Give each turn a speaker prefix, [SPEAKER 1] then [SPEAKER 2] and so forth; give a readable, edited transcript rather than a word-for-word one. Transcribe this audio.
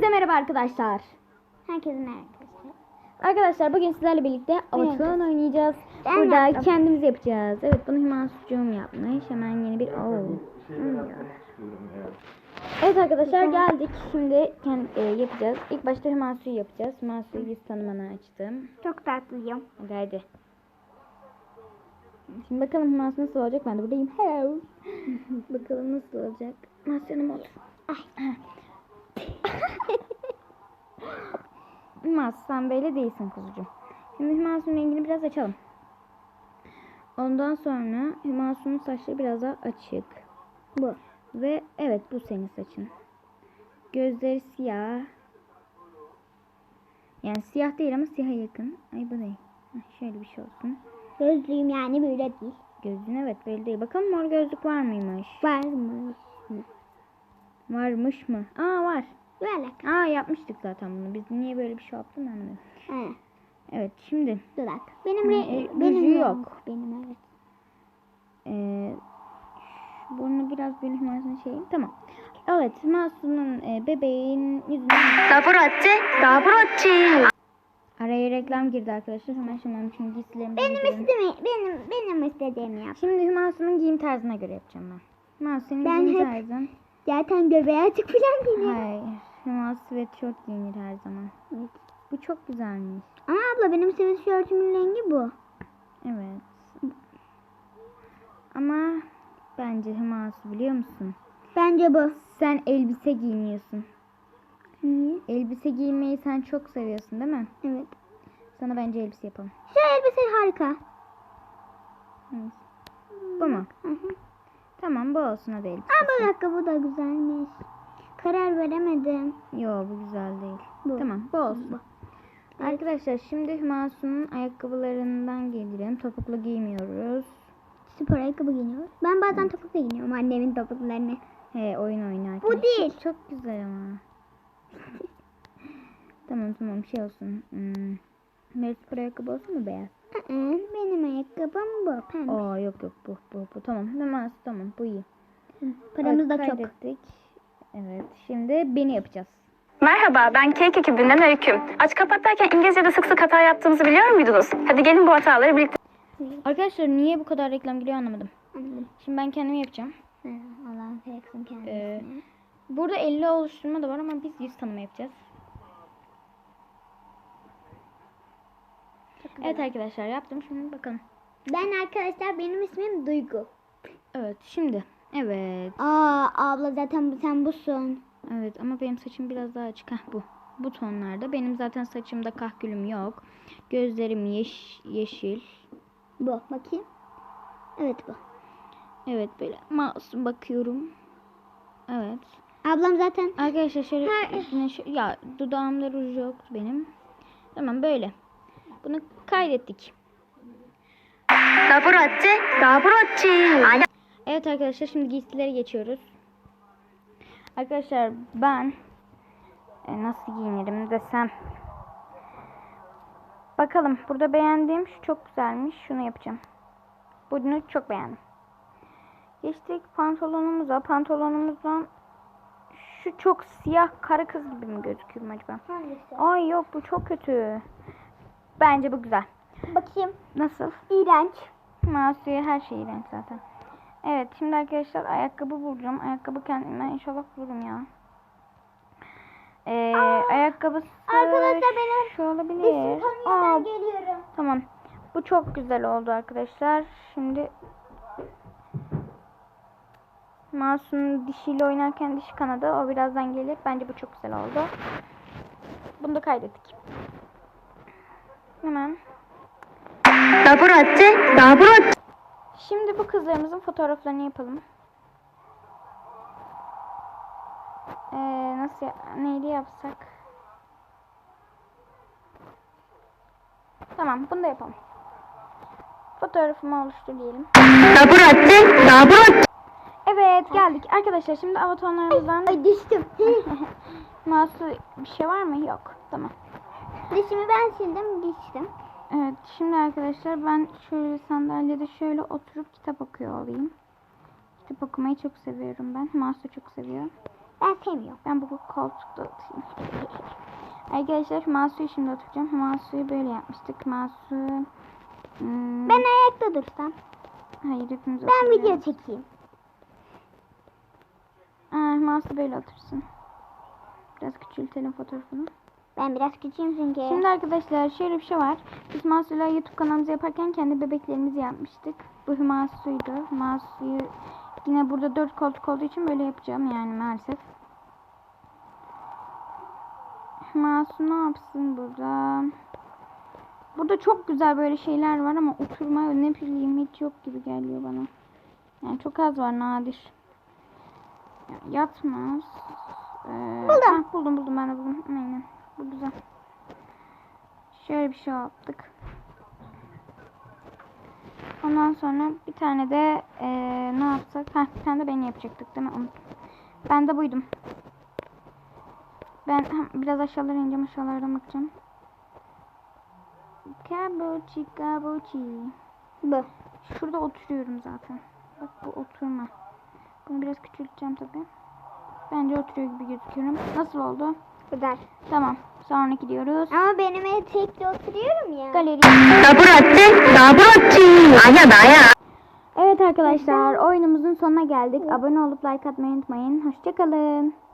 [SPEAKER 1] Herkese merhaba arkadaşlar.
[SPEAKER 2] Herkese merhaba arkadaşlar.
[SPEAKER 1] Arkadaşlar bugün sizlerle birlikte Avatar'ı oynayacağız.
[SPEAKER 2] Ben
[SPEAKER 1] Burada
[SPEAKER 2] yaptım.
[SPEAKER 1] kendimiz yapacağız. Evet, bunu Hümansucuğum yapmış. Hemen yeni bir Evet arkadaşlar, geldik. Şimdi yapacağız. İlk başta Hümansu'yu yapacağız. Hümansu'yu yüz tanımını açtım.
[SPEAKER 2] Çok tatlıyım.
[SPEAKER 1] Hadi. Şimdi bakalım Hümansu nasıl olacak. Ben de buradayım. Hello. Bakalım nasıl olacak. Hümansu'nun olur. Hümansu, sen böyle değilsin kuzucuğum. Şimdi Hümansu'nun rengini biraz açalım. Ondan sonra Hümansu'nun saçları biraz daha açık.
[SPEAKER 2] Bu.
[SPEAKER 1] Ve evet, bu senin saçın. Gözleri siyah. Yani siyah değil ama siyaha yakın. Ay, bu değil. Şöyle bir şey olsun.
[SPEAKER 2] Gözlüğüm yani böyle değil.
[SPEAKER 1] Gözün evet böyle değil. Bakalım mor gözlük var mıymış?
[SPEAKER 2] Varmış.
[SPEAKER 1] Varmış mı? Aa, var.
[SPEAKER 2] Böyle.
[SPEAKER 1] Yapmıştık zaten bunu. Biz niye böyle bir şey yaptık anlamadım.
[SPEAKER 2] He.
[SPEAKER 1] Evet, şimdi.
[SPEAKER 2] Dudak. Benim
[SPEAKER 1] ruju yok.
[SPEAKER 2] Benim evet.
[SPEAKER 1] Burnu biraz böyle Hümansu'nun şeyi. Tamam. Evet, Hümansu'nun bebeğin yüzüne. Araya reklam girdi arkadaşlar. Hemen şimdi giysilerimi
[SPEAKER 2] Benim istediğimi yap.
[SPEAKER 1] Şimdi Hümansu'nun giyim tarzına göre yapacağım ben. Hümansu, senin
[SPEAKER 2] Ben
[SPEAKER 1] giyim
[SPEAKER 2] hep-
[SPEAKER 1] tarzın.
[SPEAKER 2] Zaten göbeği açık falan giyiniyor.
[SPEAKER 1] Hayır. Hümansu sweatshirt giyinir her zaman.
[SPEAKER 2] Evet.
[SPEAKER 1] Bu çok güzelmiş.
[SPEAKER 2] Ama abla benim sweatshirtümün rengi bu.
[SPEAKER 1] Evet. Ama bence Hümansu, biliyor musun?
[SPEAKER 2] Bence bu.
[SPEAKER 1] Sen elbise giyiniyorsun.
[SPEAKER 2] Niye?
[SPEAKER 1] Elbise giymeyi sen çok seviyorsun değil mi?
[SPEAKER 2] Evet.
[SPEAKER 1] Sana bence elbise yapalım.
[SPEAKER 2] Şu elbise harika.
[SPEAKER 1] Evet. Bu mu?
[SPEAKER 2] Hı hı.
[SPEAKER 1] Tamam, bu olsun, hadi elbise.
[SPEAKER 2] Aa, bu da güzelmiş. Karar veremedim.
[SPEAKER 1] Yo, bu güzel değil.
[SPEAKER 2] Bu.
[SPEAKER 1] Tamam, bu olsun.
[SPEAKER 2] Evet.
[SPEAKER 1] Arkadaşlar, şimdi Hümansu'nun ayakkabılarından gelirim. Topuklu giymiyoruz.
[SPEAKER 2] Spor ayakkabı giyiniyor. Ben bazen topuklu giyiniyorum annemin topuklarını.
[SPEAKER 1] He, oyun oynarken.
[SPEAKER 2] Bu değil.
[SPEAKER 1] Çok güzel ama. Tamam, şey olsun. Böyle spor ayakkabı olsun mu, beyaz?
[SPEAKER 2] Benim ayakkabım bu. Pembe.
[SPEAKER 1] Yok, bu. Tamam, Hümansu, tamam, bu iyi.
[SPEAKER 2] Paramız da
[SPEAKER 1] Evet,
[SPEAKER 2] çok.
[SPEAKER 1] kaydettik. Evet, şimdi beni yapacağız.
[SPEAKER 3] Merhaba, ben Cake ekibinden Öykü. Aç kapat derken İngilizce'de sık sık hata yaptığımızı biliyor muydunuz? Hadi gelin bu hataları birlikte...
[SPEAKER 1] Arkadaşlar, niye bu kadar reklam giriyor anlamadım.
[SPEAKER 2] Anladım.
[SPEAKER 1] Şimdi ben kendimi yapacağım.
[SPEAKER 2] Allah'ın yaksın kendisini.
[SPEAKER 1] Burada 50 oluşturma da var ama biz yüz tanıma yapacağız. Evet arkadaşlar, yaptım. Şimdi bakalım.
[SPEAKER 2] Ben arkadaşlar benim ismim Duygu.
[SPEAKER 1] Evet, şimdi. Evet.
[SPEAKER 2] Abla zaten sen busun.
[SPEAKER 1] Evet ama benim saçım biraz daha açık. Bu. Bu tonlarda. Benim zaten saçımda kahkülüm yok. Gözlerim yeşil.
[SPEAKER 2] Bu. Bakayım. Evet bu.
[SPEAKER 1] Evet, böyle masum bakıyorum. Evet.
[SPEAKER 2] Ablam zaten.
[SPEAKER 1] Arkadaşlar şöyle üstüne ya, dudağımda ruj yok benim. Tamam, böyle. Bunu kaydettik. Evet arkadaşlar, şimdi giysilere geçiyoruz. Arkadaşlar ben nasıl giyinirim desem. Bakalım, burada beğendiğim şu çok güzelmiş. Şunu yapacağım. Bunu çok beğendim. Geçtik pantolonumuza. Pantolonumuzdan şu çok siyah kara kız gibi mi gözüküyor acaba?
[SPEAKER 2] Hangisi?
[SPEAKER 1] Ay yok, bu çok kötü. Bence bu güzel.
[SPEAKER 2] Bakayım.
[SPEAKER 1] Nasıl?
[SPEAKER 2] İğrenç.
[SPEAKER 1] Masu'ya her şey iğrenç zaten. Evet, şimdi arkadaşlar ayakkabı bulacağım. Ayakkabı kendime inşallah bulurum ya. Ayakkabısı
[SPEAKER 2] Arkadaşlar benim
[SPEAKER 1] şu olabilir.
[SPEAKER 2] ben geliyorum.
[SPEAKER 1] Tamam. Bu çok güzel oldu arkadaşlar. Şimdi Masu'nun dişiyle oynarken dişi kanadı. O birazdan gelir. Bence bu çok güzel oldu. Bunu da kaydettik. Hemen. Şimdi bu kızlarımızın fotoğraflarını yapalım. Neydi yapsak? Tamam, bunu da yapalım. Fotoğrafımı oluştur diyelim. Evet, geldik. Arkadaşlar şimdi avatarlarımızdan...
[SPEAKER 2] Ay düştüm.
[SPEAKER 1] Masu, bir şey var mı? Yok. Tamam.
[SPEAKER 2] Dişimi ben sildim düştüm.
[SPEAKER 1] Evet, şimdi arkadaşlar ben şöyle sandalyede şöyle oturup kitap okuyor olayım. Kitap okumayı çok seviyorum ben. Masu çok seviyor.
[SPEAKER 2] Ben sevmiyorum.
[SPEAKER 1] Ben bu koltukta oturayım. Arkadaşlar şu mouse'u şimdi oturacağım. Mouse'u böyle yapmıştık. Mouse'u
[SPEAKER 2] Ben ayakta dursam.
[SPEAKER 1] hayır hepimiz
[SPEAKER 2] Ben video
[SPEAKER 1] oturuyoruz.
[SPEAKER 2] çekeyim.
[SPEAKER 1] Mouse'u böyle otursun. Biraz küçültelim fotoğrafını.
[SPEAKER 2] Ben biraz küçüğüm çünkü.
[SPEAKER 1] Şimdi arkadaşlar şöyle bir şey var. Biz Masu'yla YouTube kanalımızı yaparken kendi bebeklerimizi yapmıştık. Bu Masu'ydu. Masu'yu yine burada 4 koltuk olduğu için böyle yapacağım yani maalesef. Masu ne yapsın burada? Burada çok güzel böyle şeyler var ama oturma ne bileyim hiç yok gibi geliyor bana. Yani çok az var, nadir. Yatmaz. Buldum ben de buldum. Aynen. Bu güzel. Şöyle bir şey yaptık. Ondan sonra bir tane de ne yapsak? Bir tane de beni yapacaktık değil mi? Unuttum. Ben de buydum. Ben biraz aşağılara ineceğim. Aşağılardan bakacağım. Kabuchi.
[SPEAKER 2] Bu.
[SPEAKER 1] Şurada oturuyorum zaten. Bak bu oturma. Bunu biraz küçülteceğim tabii. Bence oturuyor gibi gözüküyorum. Nasıl oldu?
[SPEAKER 2] Güzel.
[SPEAKER 1] Tamam. Sonra gidiyoruz.
[SPEAKER 2] Ama benim etekte oturuyorum ya.
[SPEAKER 1] Galeri.
[SPEAKER 3] 아니야.
[SPEAKER 1] Evet arkadaşlar oyunumuzun sonuna geldik. Abone olup like atmayı unutmayın. Hoşçakalın.